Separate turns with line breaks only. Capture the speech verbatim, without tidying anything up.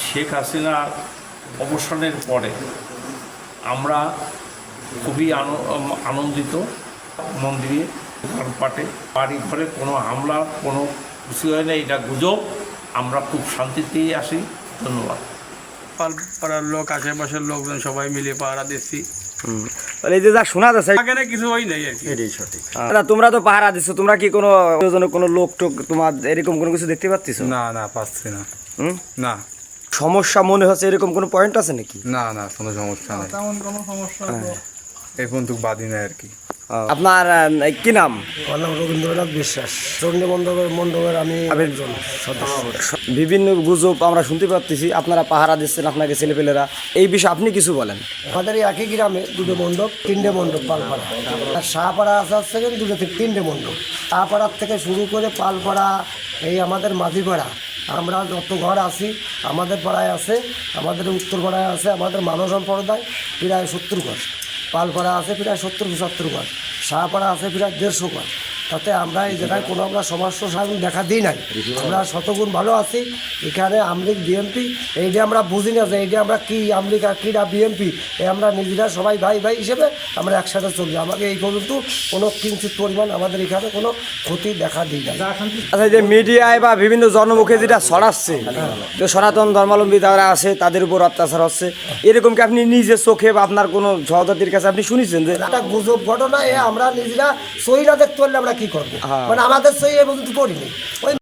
শেখ হাসিনার অবসানের পরে আমরা খুবই আনন্দিত। মন্দিরে পাটে বাড়ি ঘরে কোনো হামলা কোনো কিছু হয় না, এটা গুজব। আমরা খুব শান্তিতেই আসি। ধন্যবাদ।
পাড়ার লোক, আশেপাশের লোকজন সবাই মিলে পাহারা দিচ্ছি।
এই যে যা শোনা যাচ্ছে
এখানে কিছু হয় নাই আর কি।
এটাই সঠিক। দাদা, তোমরা তো পাহারা দিচ্ছ, তোমরা কি কোনো কোনো লোক টোক তোমার এরকম কোনো কিছু দেখতে পাচ্ছিস?
না না, পাচ্ছি না।
হুম,
না
সমস্যা মনে হচ্ছে এরকম কোনো পয়েন্ট আছে নাকি?
না না, কোনো সমস্যা নাই, তেমন কোনো সমস্যা এই পর্যন্ত বাদই নাই আর কি।
আপনার আহ, কি নাম?
আমার নাম রবীন্দ্রনাথ বিশ্বাস, চণ্ডী মণ্ডপের মণ্ডপের আমি একজন সদস্য।
বিভিন্ন গুজব আমরা শুনতে পাচ্ছি, আপনারা পাহারা দিচ্ছেন আপনাকে ছেলেপেলেরা, এই বিষয়ে আপনি কিছু বলেন।
আমাদের এই একই গ্রামে দুটো মণ্ডপ, তিনটে মণ্ডপ পালপাড়া, আর শাহপাড়া আসার থেকে দুটো থেকে তিনটে মণ্ডপ। শাহপাড়ার থেকে শুরু করে পালপাড়া, এই আমাদের মাঝিপাড়া, আমরা যত ঘর আছি আমাদের পাড়ায় আছে, আমাদের উত্তর পাড়ায় আছে, আমাদের মানব সম্প্রদায় প্রায় সত্তর ঘর, পালপাড়া আছে প্রায় সত্তর পঁচাত্তর ঘর, শাহপাড়া আছে প্রায় দেড়শো ঘর। তাতে আমরা এই জায়গায় কোনো আমরা সমস্যা সামনে দেখা দিই নাই, আমরা শতগুণ ভালো আছি। এখানে আমলিগ বিএমপি এইটা আমরা বুঝি না যে এইটা আমরা কী আমলিগ আর কীটা বিএমপি, এই আমরা নিজেরা সবাই ভাই ভাই হিসেবে আমরা একসাথে চলি। আমাকে এই পর্যন্ত কোনো কিঞ্চিত পরিমাণ আমাদের এখানে কোনো ক্ষতি দেখা দিই না।
আচ্ছা, যে মিডিয়ায় বা বিভিন্ন জনমুখে যেটা ছড়াচ্ছে যে সনাতন ধর্মাবলম্বী যারা আছে তাদের উপর অত্যাচার হচ্ছে, এরকম কি আপনি নিজের চোখে বা আপনার কোনো সহযোগীর কাছে আপনি শুনেছেন যে?
একটা গুজব ঘটনা, এ আমরা নিজেরা সই না দেখতে পারলে আমরা কী করবো, মানে আমাদের সই এ পর্যন্ত করিনি। ওই